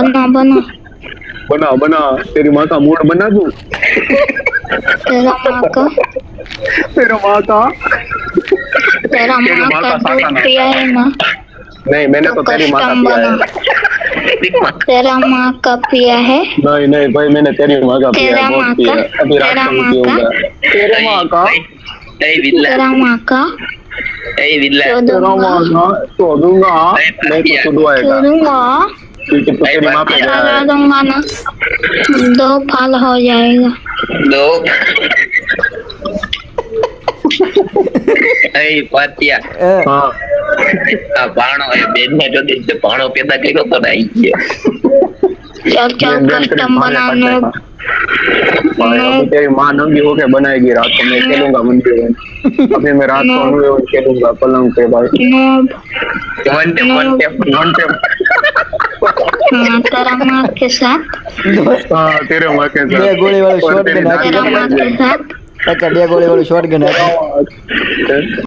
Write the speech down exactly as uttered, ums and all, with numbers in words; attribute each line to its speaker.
Speaker 1: बना बना
Speaker 2: बना बना तेरी माँ का मूड बना दूं।
Speaker 1: तेरा माँ का
Speaker 2: तेरा माँ का
Speaker 1: तेरा
Speaker 2: तेरी
Speaker 1: माँ
Speaker 2: माँ
Speaker 1: का
Speaker 2: का
Speaker 1: दूध
Speaker 2: साका ना।
Speaker 1: पिया है ना
Speaker 2: नहीं मैंने
Speaker 1: तो
Speaker 2: तो तेरी माँ का
Speaker 1: कस्टम
Speaker 2: पिया
Speaker 1: बना।
Speaker 2: है।
Speaker 1: तेरा माँ का पिया है।
Speaker 2: नहीं नहीं भाई मैंने तेरी माँ का पिया है,
Speaker 1: तेरा
Speaker 2: बहुत
Speaker 1: माँ का
Speaker 2: पिया है, अभी रात
Speaker 1: तेरा
Speaker 2: को भी
Speaker 1: माँ का
Speaker 2: पीऊंगा। तेरे माँ का
Speaker 3: ए विल्ला
Speaker 1: तेरा माँ का
Speaker 3: ए विल्ला
Speaker 1: क्यों
Speaker 2: तेरा
Speaker 1: दूंगा
Speaker 2: माँ का तो दूंगा।
Speaker 3: ए
Speaker 2: नहीं तो
Speaker 3: पापिया
Speaker 2: तू
Speaker 1: क्यों
Speaker 2: दुआएगा
Speaker 1: दूंगा
Speaker 2: क्योंकि तू
Speaker 3: ए
Speaker 2: तेरी माँ पे
Speaker 3: पापिया
Speaker 2: गया
Speaker 1: लगा
Speaker 2: है।
Speaker 1: दूंगा ना दो फाल हो जाएगा।
Speaker 3: दो ए पापिया
Speaker 2: हाँ
Speaker 3: आ भाणो ए बेन ने जो दिन से भाणो पैदा કર્યો તો ને आई गया
Speaker 1: चल चल
Speaker 2: बेन बेन करीब
Speaker 1: कस्टम
Speaker 2: भागे काट
Speaker 1: बनाने
Speaker 2: देखा भाई।
Speaker 1: नो
Speaker 2: अभी तेरी माँ नंगी होके बनाएगी, रात को मैं खेलूंगा मंदिर में। अभी मैं रात को
Speaker 1: नो
Speaker 2: अनुए खेलूंगा पलंग पे भाई।
Speaker 1: नो
Speaker 3: वन टे
Speaker 1: नो
Speaker 3: वन टे
Speaker 2: घंटे
Speaker 1: हाँ तेरा माँ के साथ
Speaker 4: दोस्त
Speaker 2: हाँ तेरे माँ के
Speaker 4: બે
Speaker 2: साथ
Speaker 4: ગોળી વાળું
Speaker 2: और
Speaker 4: શોર્ટ
Speaker 2: तेरी
Speaker 4: ગન
Speaker 2: दादी
Speaker 1: तेरा
Speaker 4: હાકી
Speaker 1: माँ
Speaker 2: के
Speaker 1: के
Speaker 2: साथ।
Speaker 1: साथ
Speaker 4: કાકા બે ગોળી વાળું શોર્ટ ગન હાકી
Speaker 2: तेरा माँ-